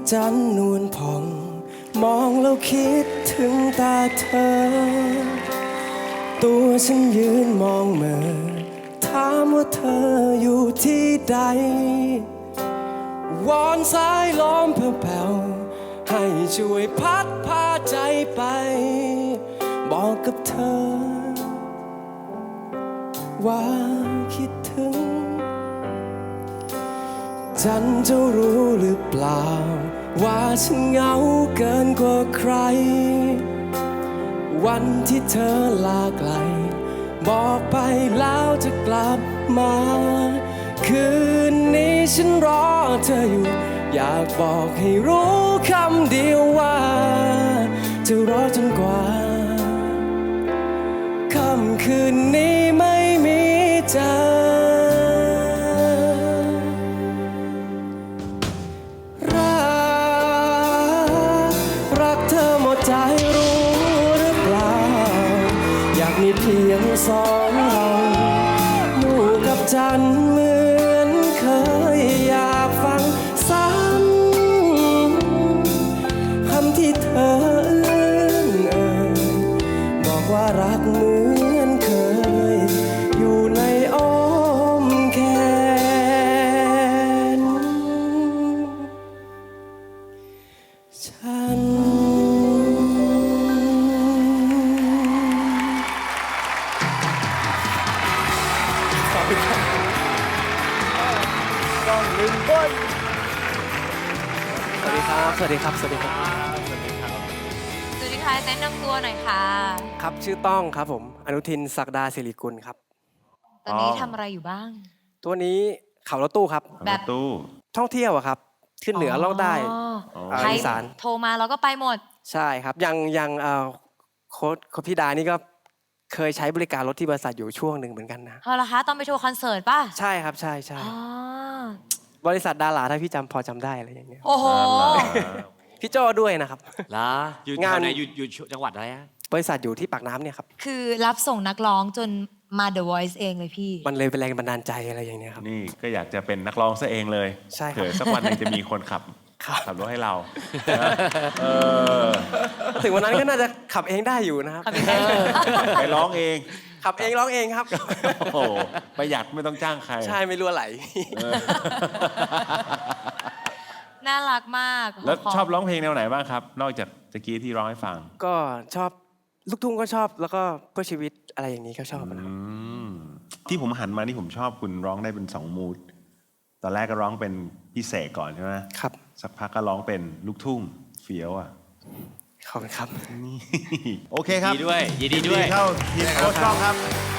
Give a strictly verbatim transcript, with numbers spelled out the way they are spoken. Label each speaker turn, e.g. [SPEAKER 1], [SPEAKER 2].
[SPEAKER 1] จันทร์นวลผ่องมองแล้วคิดถึงตาเธอตัวฉันยืนมองเมื่อถามว่าเธออยู่ที่ใดวอนสายลมแผ่วๆให้ช่วยพัดพาใจไปบอกกับเธอว่าคิดถึงฉันจะรู้หรือเปล่าว่าฉันเหงาเกินกว่าใครวันที่เธอลาไกลบอกไปแล้วจะกลับมาคืนนี้ฉันรอเธออยู่อยากบอกให้รู้คำเดียวว่าจะรอจนกว่าค่ำคืนนี้ไม่มีเธอมีเพียงสองเราหมู่กับจันทร์เหมือนเคยอยากฟังซ้ำคำที่เธอเอื้อนเอ่ยบอกว่ารักเหมือนเคยอยู่ในอ้อมแขนฉัน
[SPEAKER 2] ต้องหนึ่งก้น
[SPEAKER 1] สวัสดีครับ สวัสดีครับ สวัสดีครับ
[SPEAKER 2] สวัสดีครับ
[SPEAKER 3] สวัสดีค่ะแนะนำตัวหน่อยค่ะ
[SPEAKER 1] ครับ ชื่อต้องครับผม อนุทิน ศักดาศิริกุลครับ
[SPEAKER 3] ตอนนี้ทำอะไรอยู่บ้าง
[SPEAKER 1] ตัวนี้ขับรถตู้ครับ
[SPEAKER 3] แบบ
[SPEAKER 2] ตู้
[SPEAKER 1] ท่องเที่ยวอะครับ ขึ้นเหนือล่องใต้
[SPEAKER 3] อ๋อ
[SPEAKER 1] อ่า
[SPEAKER 3] ใคร
[SPEAKER 1] อีสาน
[SPEAKER 3] โทรมาเราก็ไปหมด
[SPEAKER 1] ใช่ครับ ยังยังเอ่อโค้ชโค้ชพี่ดานี่ก็เคยใช้บริการรถที่บริษัทอยู่ช่วงหนึ่งเหมือนกันนะ
[SPEAKER 3] เอาละคะตอนไปโชว์คอนเสิร์ตป่ะ
[SPEAKER 1] ใช่ครับ ใช่ใช่
[SPEAKER 3] อ๋อบ
[SPEAKER 1] ริษัทดาราถ้าพี่จำพอจำได้อะไรอย่างเงี้ย
[SPEAKER 3] โอ้โห
[SPEAKER 1] พี่โจ้ด้วยนะครับ
[SPEAKER 4] ล่ะอยู่
[SPEAKER 1] งาน
[SPEAKER 4] แถวไหนอยู่อยู่จังหวัดอะไรฮะ
[SPEAKER 1] บริษัทอยู่ที่ปากน้ำเนี่ยครับ
[SPEAKER 3] คือรับส่งนักร้องจนมา The Voice เองเลยพี่
[SPEAKER 1] มันเลยเป็นแรงบันดาลใจอะไรอย่างเงี้ยครับ
[SPEAKER 2] นี่ก็อยากจะเป็นนักร้องซะเองเลย
[SPEAKER 1] ใช่ครับ
[SPEAKER 2] เผื่อสักวันหนึงจะมีคนขับ
[SPEAKER 1] ครับ
[SPEAKER 2] ขับรถให้เรานะเออ
[SPEAKER 1] ถึงวันนั้นก็น่าจะขับเองได้อยู่นะครับ
[SPEAKER 3] ขับเองได้อยู่
[SPEAKER 2] ไปร้องเอง
[SPEAKER 1] ขับเองร้องเองครับ
[SPEAKER 2] โอ้โหประหยัดไม่ต้องจ้างใคร
[SPEAKER 1] ใช่ไม่รั่วไหล
[SPEAKER 2] เออ
[SPEAKER 3] น่ารักมาก
[SPEAKER 2] แล้ว
[SPEAKER 3] ข
[SPEAKER 2] ชอบร้องเพลงแนวไหนบ้างครับ นอกจากตะกี้ที่ร้องให้ฟัง
[SPEAKER 1] ก็ชอบลูกทุ่งก็ชอบแล้วก็เพื่อชีวิตอะไรอย่างนี้ก็ชอบนะครับ
[SPEAKER 2] อืมที่ผมหันมานี่ผมชอบคุณร้องได้เป็นสองมูดตอนแรกก็ร้องเป็นพี่เสกก่อนใช่ไหม
[SPEAKER 1] ครับ
[SPEAKER 2] สักพักก็ร้องเป็นลูกทุ่งเฟี้ยวอ่ะ
[SPEAKER 1] ขอบคุณครับ
[SPEAKER 2] นี่ โอเคครับ
[SPEAKER 4] ยินดีด้วยยินดีด้วย
[SPEAKER 2] เข้าทีมโค้ชกล้องครับ
[SPEAKER 1] ข